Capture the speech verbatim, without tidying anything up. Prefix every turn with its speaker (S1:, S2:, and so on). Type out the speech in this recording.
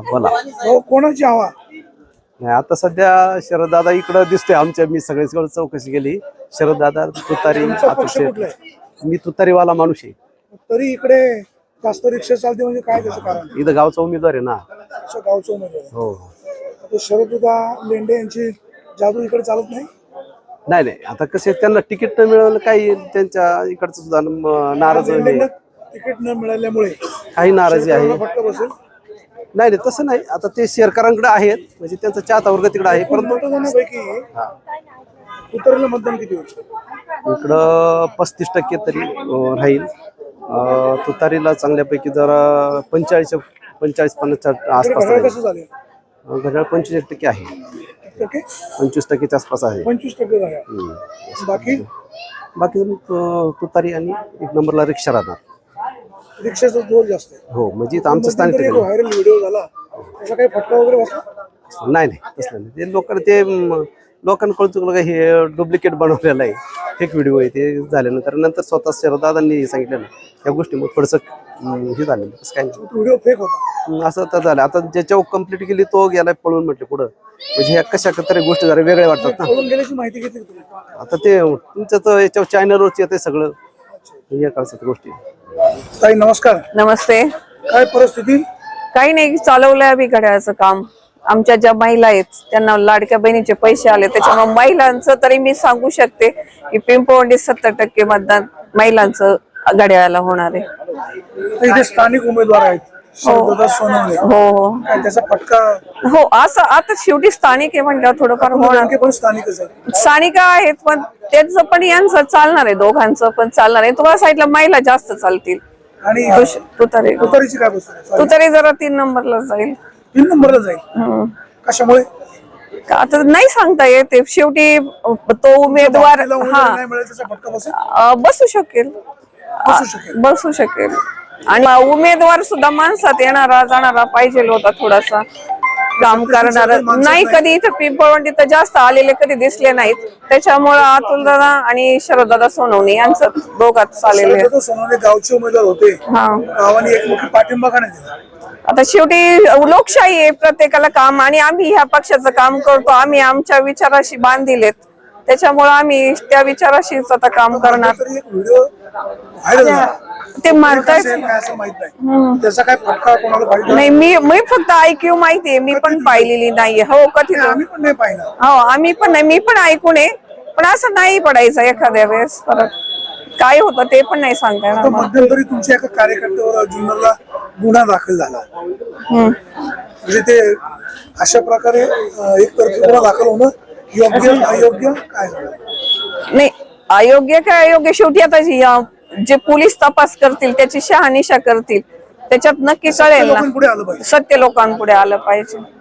S1: बोला.
S2: हो, कोणाची हवा?
S1: नाही आता सध्या शरददादा इकडं दिसतोय आमच्या. मी सगळीकडे चौकशी केली. शरददादा, तुतारी.
S2: तुमचा पक्ष कुठला आहे?
S1: मी तुतारीवाला माणूस आहे.
S2: तरी इकडे जास्त रिक्षा चालते म्हणजे काय त्याचं कारण?
S1: इथं गावचा उमेदवार आहे ना.
S2: अच्छा, गावचा उमेदवार आहे.
S1: हो.
S2: आता शरददादा लेंडे यांची जादू इकडे चालत नाही.
S1: नाही नाही आता कसे त्यांना तिकीट न मिळालं काही त्यांच्या इकडचं सुद्धा न- नाराज आहे.
S2: लेंडेंना तिकीट न मिळाल्यामुळे
S1: काही नाराजी आहे.
S2: शेतकऱ्यांना फटका बसेल.
S1: नाही नाही तसं नाही. आता ते शेरकरांकडे आहेत म्हणजे त्यांचा चाहता वर्ग तिकडे आहे. परंतु
S2: मतदानापैकी तुतारीला मतदान किती होईल?
S1: इकडं पस्तीस टक्के तरी अं, राहील. अं, तुतारीला चांगल्यापैकी जरा पंचेचाळीस पंचेचाळीस पन्नासच्या आसपास
S2: घड्याळ
S1: राहील.
S2: कसं झाले?
S1: अं, घड्याळ पंचवीस टक्के आहे.
S2: टक्के
S1: पंचवीस टक्केच्या आसपास आहे.
S2: पंचवीस टक्के झाले.
S1: हम्म.
S2: बाकी
S1: बाकी अं, तुतारी आणि एक नंबरला रिक्षा राहणार.
S2: रिक्षाचा जोर जास्त आहे.
S1: हो म्हणजे इथं आमचं स्थानिक
S2: मध्यंतरी एक
S1: ठिकाण.
S2: व्हायरल व्हिडिओ झाला, त्याचा काही फटका वगैरे बसला?
S1: नाही नाही तसलं नाही. ते लोकांना ते म, लोकांकडून चुकलं का हे डुप्लिकेट बनवलेलं आहे, फेक व्हिडिओ आहे. ते झाल्यानंतर नंतर स्वतः शरददादांनी सांगितलं ना त्या गोष्टी मग थोडंसं अं, हे झालं. तसं काही नाही.
S2: व्हिडिओ फेक होता.
S1: अं, असं तर झालं. आता ज्याच्यावर कंप्लीट केली तो गेलाय पळून म्हटलं पुढं. म्हणजे ह्या कशा तरी गोष्टी जरा वेगळ्या वाटतात ना.
S2: पळून गेल्याची माहिती घेतली का तुम्ही?
S1: आता ते तुमचं तर याच्यावर चॅनलवरच येते सगळं या काळात गोष्टी.
S2: ताई नमस्कार.
S3: नमस्ते.
S2: काय परिस्थिती?
S3: काही नाही, चालवलंय आम्ही घड्याळाचं काम. आमच्या ज्या महिला आहेत त्यांना लाडक्या बहिणीचे पैसे आले, त्याच्यामुळे महिलांचं तरी मी सांगू शकते की पिंपळवंडी सत्तर टक्के मतदान महिलांचं घड्याळाला होणार आहे.
S2: इथे स्थानिक उमेदवार आहेत शरददादा सोनवणे.
S3: हो हो
S2: काय त्याचा फटका?
S3: हो असं आता शेवटी स्थानिक आहे म्हटल्यावर थोडंफार होणार.
S2: नेमके पण स्थानिकच आहे.
S3: स्थानिक आहेत पण त्याचं पण यांचं चालणार आहे, दोघांचं पण चालणार आहे. तुम्हाला साईडला महिला जास्त चालतील.
S2: आणि
S3: तुतारी
S2: तुतारीची काय बसते?
S3: तुतारी जरा तीन नंबरला जाईल.
S2: तीन नंबरला जाईल.
S3: हम्म.
S2: कशामुळे?
S3: का आता नाही सांगता येत. शेवटी तो उमेदवार
S2: तिला उमेदवार
S3: हा
S2: नाही मिळाला त्याचा फटका बसेल.
S3: अ, बसू शकेल
S2: बसू शकेल.
S3: बसू शकेल. आणि उमेदवार सुद्धा माणसात येणारा जाणारा पाहिजे होता, थोडासा काम करणारा. नाही कधी इथं पिंपळवंडी तर जास्त आलेले कधी दिसले नाहीत. त्याच्यामुळे अतुल दादा आणि शरददादा सोनवणे यांचं दोघात चाललेले.
S2: शरददादा सोनवणे गावचे उमेदवार होते.
S3: हा
S2: गावाने एकमुखी पाठिंबा का नाही दिला?
S3: आता शेवटी लोकशाही आहे, प्रत्येकाला काम. आणि आम्ही ह्या पक्षाचं काम करतो, आम्ही आमच्या विचाराशी बांधिलेत, त्याच्यामुळे आम्ही त्या विचाराशीच आता काम करणार.
S2: तरी एक व्हिडिओ व्हायरल झाला.
S3: ते म्हणतायत
S2: काय असं माहित नाही. त्याचा काय फटका कोणाला पाहिजे?
S3: नाही, मी मी फक्त ऐक्यू माहितीये, मी पण पाहिलेली नाहीये. हो कधी
S2: आम्ही पण नाही पाहिलं.
S3: हो आम्ही पण नाही, मी पण ऐकून आहे. पण असं नाही पडायचं एखाद्या वेळेस. परत काय होतं ते पण नाही सांगता येणार.
S2: मध्यंतरी तुमच्या एका कार्यकर्त्यावर जुन्नरला गुन्हा दाखल झाला.
S3: हम्म.
S2: म्हणजे ते अशा प्रकारे अं, एक तर्फी गुन्हा दाखल होणं योग्य अयोग्य काय झालं?
S3: नाही अयोग्य काय अयोग्य, शेवटी आता जी, अं, जे पोलीस तपास करतील त्याची शहानिशा करतील, त्याच्यात नक्की कळेल
S2: लोकांपुढे आलं
S3: ना.
S2: पाहिजे.
S3: सत्य लोकांपुढे आलं पाहिजे.